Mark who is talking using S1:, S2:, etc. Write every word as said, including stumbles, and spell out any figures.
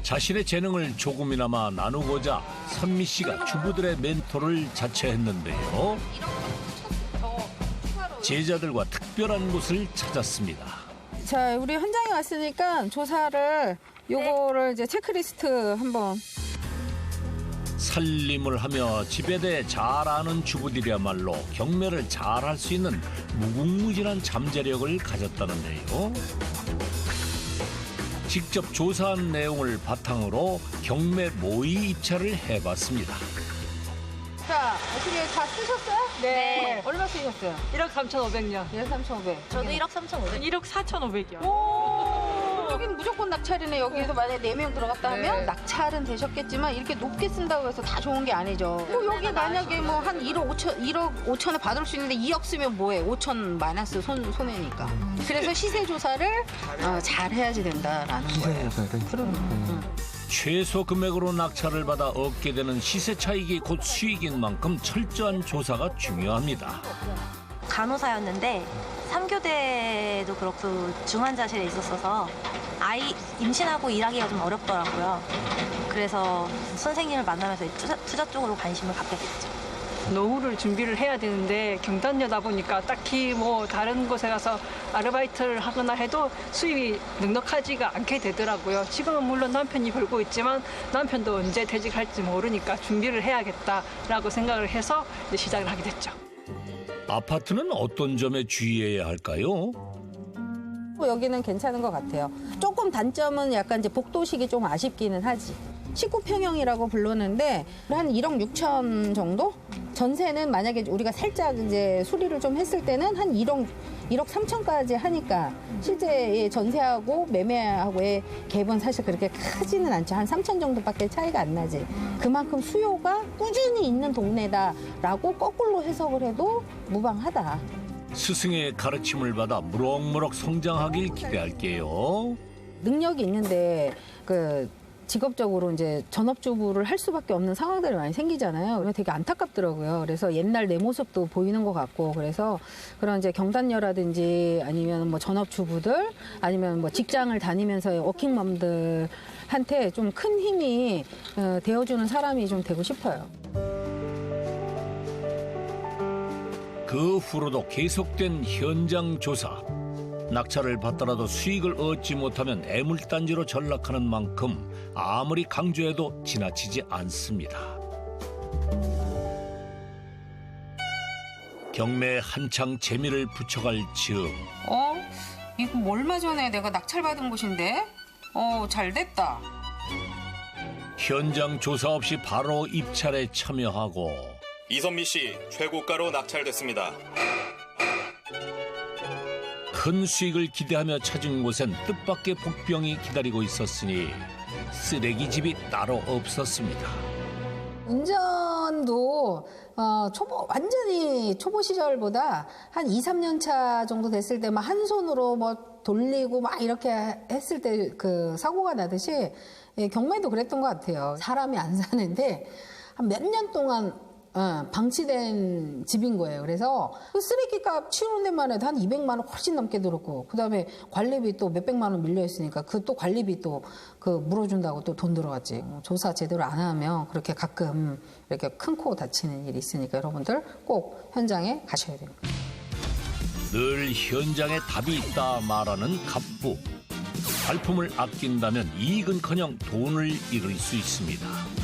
S1: 자신의 재능을 조금이나마 나누고자 선미 씨가 주부들의 멘토를 자처했는데요. 제자들과 특별한 곳을 찾았습니다.
S2: 자, 우리 현장에 왔으니까 조사를 요거를 이제 체크리스트 한번.
S1: 살림을 하며 집에 대해 잘 아는 주부들이야말로 경매를 잘 할 수 있는 무궁무진한 잠재력을 가졌다는데요. 직접 조사한 내용을 바탕으로 경매 모의 입찰을 해봤습니다.
S2: 자, 어떻게 다 쓰셨어요?
S3: 네.
S2: 얼마 쓰셨어요?
S3: 일억 삼천오백요.
S2: 일 삼천오백.
S3: 저도 일억 삼천오백. 일억 사천오백이요.
S2: 오, 여기는 무조건 낙찰이네. 여기에서 만약에 네 명 들어갔다 하면
S3: 네.
S2: 낙찰은 되셨겠지만 이렇게 높게 쓴다고 해서 다 좋은 게 아니죠. 뭐 여기 만약에 뭐 한 일억 오천, 일억 오천에 받을 수 있는데 이억 쓰면 뭐해? 오천 마이너스 손, 손해니까. 그래서 시세 조사를 어, 잘 해야지 된다라는 거예요. 그럼.
S1: 최소 금액으로 낙찰을 받아 얻게 되는 시세 차익이 곧 수익인 만큼 철저한 조사가 중요합니다.
S4: 간호사였는데 삼 교대도 그렇고 중환자실에 있었어서 아이 임신하고 일하기가 좀 어렵더라고요. 그래서 선생님을 만나면서 투자, 투자 쪽으로 관심을 갖게 됐죠.
S3: 노후를 준비를 해야 되는데 경단녀다 보니까 딱히 뭐 다른 곳에 가서 아르바이트를 하거나 해도 수입이 넉넉하지가 않게 되더라고요. 지금은 물론 남편이 벌고 있지만 남편도 언제 퇴직할지 모르니까 준비를 해야겠다라고 생각을 해서 이제 시작을 하게 됐죠.
S1: 아파트는 어떤 점에 주의해야 할까요?
S2: 여기는 괜찮은 것 같아요. 조금 단점은 약간 이제 복도식이 좀 아쉽기는 하지. 십구 평형이라고 부르는데 한 일억 육천 정도? 전세는 만약에 우리가 살짝 이제 수리를 좀 했을 때는 한 일억, 일억 삼천까지 하니까 실제 전세하고 매매하고의 갭은 사실 그렇게 크지는 않죠. 한 삼천 정도밖에 차이가 안 나지. 그만큼 수요가 꾸준히 있는 동네다라고 거꾸로 해석을 해도 무방하다.
S1: 스승의 가르침을 받아 무럭무럭 성장하길 기대할게요.
S2: 능력이 있는데 그 직업적으로 이제 전업주부를 할 수밖에 없는 상황들이 많이 생기잖아요. 그래서 되게 안타깝더라고요. 그래서 옛날 내 모습도 보이는 것 같고 그래서 그런 이제 경단녀라든지 아니면 뭐 전업주부들 아니면 뭐 직장을 다니면서의 워킹맘들한테 좀 큰 힘이 어, 되어주는 사람이 좀 되고 싶어요.
S1: 그 후로도 계속된 현장 조사. 낙찰을 받더라도 수익을 얻지 못하면 애물단지로 전락하는 만큼 아무리 강조해도 지나치지 않습니다. 경매에 한창 재미를 붙여갈 즈음
S2: 어? 이거 뭐 얼마 전에 내가 낙찰받은 곳인데? 어, 잘 됐다.
S1: 현장 조사 없이 바로 입찰에 참여하고
S5: 이선미 씨 최고가로 낙찰됐습니다.
S1: 큰 수익을 기대하며 찾은 곳엔 뜻밖의 복병이 기다리고 있었으니 쓰레기집이 따로 없었습니다.
S2: 운전도 어, 초보 완전히 초보 시절보다 한 이, 삼 년 차 정도 됐을 때 막 한 손으로 뭐 돌리고 막 이렇게 했을 때 그 사고가 나듯이 예, 경매도 그랬던 것 같아요. 사람이 안 사는데 한 몇 년 동안 어, 방치된 집인 거예요. 그래서 그 쓰레기값 치우는 데만 해도 한 이백만 원 훨씬 넘게 들었고 그다음에 관리비 또 몇백만 원 밀려 있으니까 그 또 관리비 또 그 물어준다고 또 돈 들어갔지. 조사 제대로 안 하면 그렇게 가끔 이렇게 큰 코 다치는 일이 있으니까 여러분들 꼭 현장에 가셔야 됩니다.
S1: 늘 현장에 답이 있다 말하는 갑부. 발품을 아낀다면 이익은커녕 돈을 잃을 수 있습니다.